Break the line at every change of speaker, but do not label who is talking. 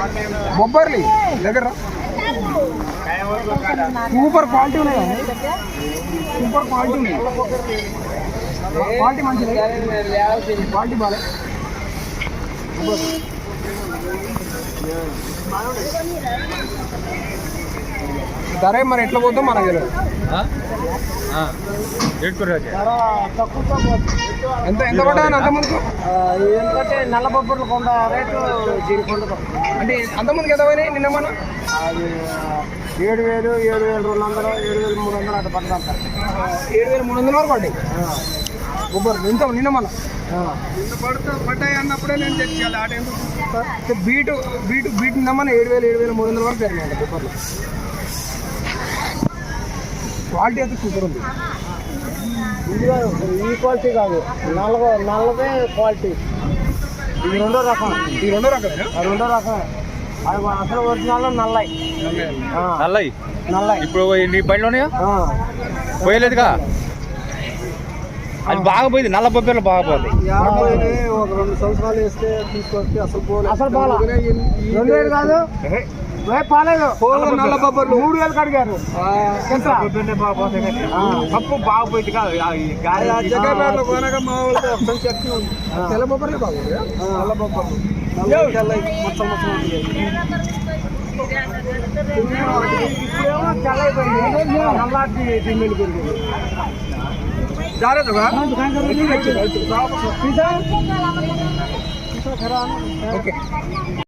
బొబ్బర్లి దగ్గర super quality ఉన్నాయి, super quality ఉన్నాయి, క్వాలిటీ మంచిది, క్వాలిటీ బాగా. ధర మరి ఎట్లా పోతాం మనకు తెలియదు. ఎంత ఎంత పడ్డా అంతమందికి?
ఎందుకంటే నల్ల బొబ్బర్లు కొండ రేటు దీనికి ఉండదు.
అంటే అంతమందికి ఎంత పోయినాయి నిన్న మన?
అది 7,000, 7,200, 7,300 అట్లా పడతాం సార్.
7,300 వరకు పడ్డాయి బొబ్బర్లు. ఎంత నిన్న మన పడ్డాయి అన్నప్పుడే నేను తెచ్చేయాలి. ఆట ఎందుకు బీటు బీటు బీటు నిన్న 7,000, 7,300 వరకు జరిగినాయి బొబ్బర్లు. క్వాలిటీ అయితే సూపర్ ఉంది.
ఈ క్వాలిటీ కాదు, నల్లదే క్వాలిటీ. ఇది రెండో రకం.
ఇది రెండో రకమేనా?
రెండో రకం. అది అసలు ఒరిజినల్ నల్లయి. నల్లయి
ఇప్పుడు నీ బండిలోనే పోయలేదుగా, అది బాగా పోయింది. నల్ల బొబ్బర్లు బాగా పోయింది.
ఒక 2 సంవత్సరాలు వేస్తే తీసుకొస్తే అసలు పోలే. 2,000 కాదు, పాలేదు.
నల్ల బొబ్బర్లు
3,000 కడిగారు.
పప్పు బాగా పోయింది కాదు.
జగన్లో కొనగా మా వాళ్ళతో ఒకసారి చట్నీ ఉంది. తెల్ల బొబ్బర్లే బాగుంది. నల్ల బొబ్బర్లు
మొత్తం చల్లైపోయింది. నల్లాటి దిమ్మెలు పెరిగింది.
జాగ్రత్తగా ఓకే.